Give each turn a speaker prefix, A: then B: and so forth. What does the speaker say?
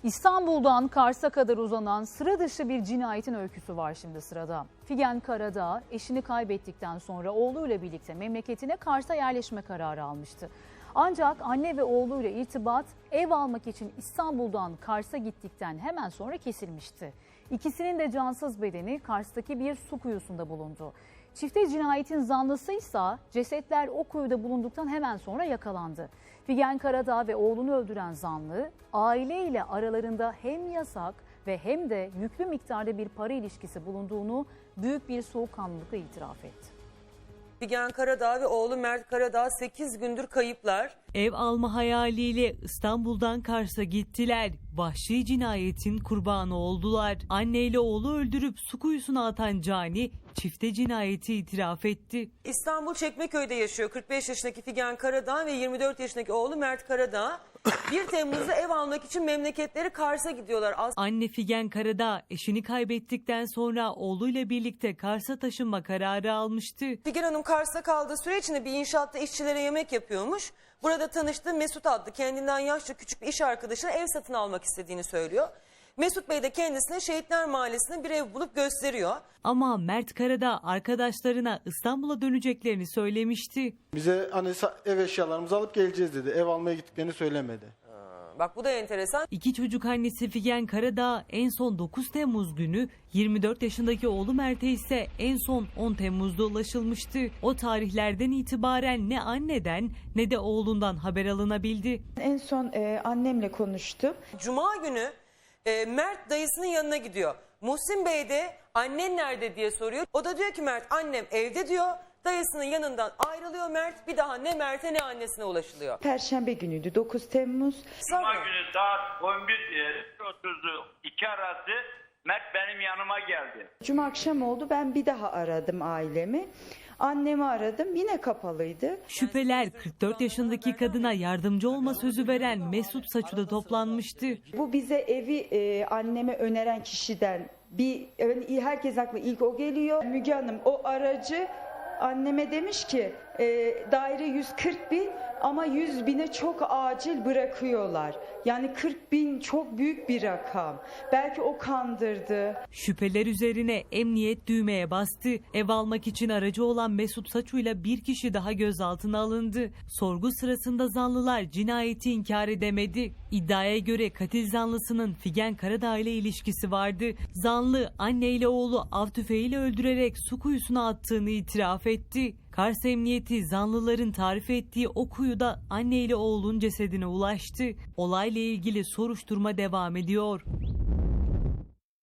A: İstanbul'dan Kars'a kadar uzanan sıra dışı bir cinayetin öyküsü var şimdi sırada. Figen Karadağ eşini kaybettikten sonra oğluyla birlikte memleketine Kars'a yerleşme kararı almıştı. Ancak anne ve oğluyla irtibat ev almak için İstanbul'dan Kars'a gittikten hemen sonra kesilmişti. İkisinin de cansız bedeni Kars'taki bir su kuyusunda bulundu. Çifte cinayetin zanlısıysa cesetler o kuyuda bulunduktan hemen sonra yakalandı. Figen Karadağ ve oğlunu öldüren zanlı aileyle aralarında hem yasak ve hem de yüklü miktarda bir para ilişkisi bulunduğunu büyük bir soğukkanlılıkla itiraf etti.
B: Figen Karadağ ve oğlu Mert Karadağ 8 gündür kayıplar.
C: Ev alma hayaliyle İstanbul'dan Kars'a gittiler. Vahşi cinayetin kurbanı oldular. Anneyle oğlu öldürüp su kuyusuna atan cani çifte cinayeti itiraf etti.
B: İstanbul Çekmeköy'de yaşıyor 45 yaşındaki Figen Karadağ ve 24 yaşındaki oğlu Mert Karadağ. 1 Temmuz'da ev almak için memleketleri Kars'a gidiyorlar.
C: Anne Figen Karadağ eşini kaybettikten sonra oğluyla birlikte Kars'a taşınma kararı almıştı.
B: Figen Hanım Kars'ta kaldığı süre içinde bir inşaatta işçilere yemek yapıyormuş. Burada tanıştığı Mesut adlı kendinden yaşça küçük bir iş arkadaşına ev satın almak istediğini söylüyor. Mesut Bey de kendisine Şehitler Mahallesi'nde bir ev bulup gösteriyor.
C: Ama Mert Karadağ arkadaşlarına İstanbul'a döneceklerini söylemişti.
D: Bize hani ev eşyalarımızı alıp geleceğiz dedi. Ev almaya gittiklerini söylemedi.
B: Bak bu da enteresan.
C: 2 çocuk annesi Figen Karadağ en son 9 Temmuz günü, 24 yaşındaki oğlu Mert'e ise en son 10 Temmuz'da ulaşılmıştı. O tarihlerden itibaren ne anneden ne de oğlundan haber alınabildi.
E: En son annemle konuştum.
B: Cuma günü Mert dayısının yanına gidiyor. Muhsin Bey de annen nerede diye soruyor. O da diyor ki Mert annem evde diyor. Dayısının yanından ayrılıyor Mert. Bir daha ne Mert'e ne annesine ulaşılıyor.
E: Perşembe günüydü 9 Temmuz.
F: Cuma günü saat 11.30 2 arası Mert benim yanıma geldi.
E: Cuma akşam oldu, ben bir daha aradım ailemi. Annemi aradım, yine kapalıydı.
C: Şüpheler 44 yaşındaki kadına yardımcı olma sözü veren Mesut Saçu'da toplanmıştı.
E: Bu bize evi anneme öneren kişiden herkes aklı ilk o geliyor. Müge Hanım o aracı anneme demiş ki daire 140 bin ama 100 bine çok acil bırakıyorlar. Yani 40 bin çok büyük bir rakam. Belki o kandırdı.
C: Şüpheler üzerine emniyet düğmeye bastı. Ev almak için aracı olan Mesut Saçu'yla bir kişi daha gözaltına alındı. Sorgu sırasında zanlılar cinayeti inkar edemedi. İddiaya göre katil zanlısının Figen Karadağ ile ilişkisi vardı. Zanlı anneyle oğlu av tüfeğiyle öldürerek su kuyusuna attığını itiraf etti. Kars Emniyeti zanlıların tarif ettiği o kuyuda anne ile oğlun cesedine ulaştı. Olayla ilgili soruşturma devam ediyor.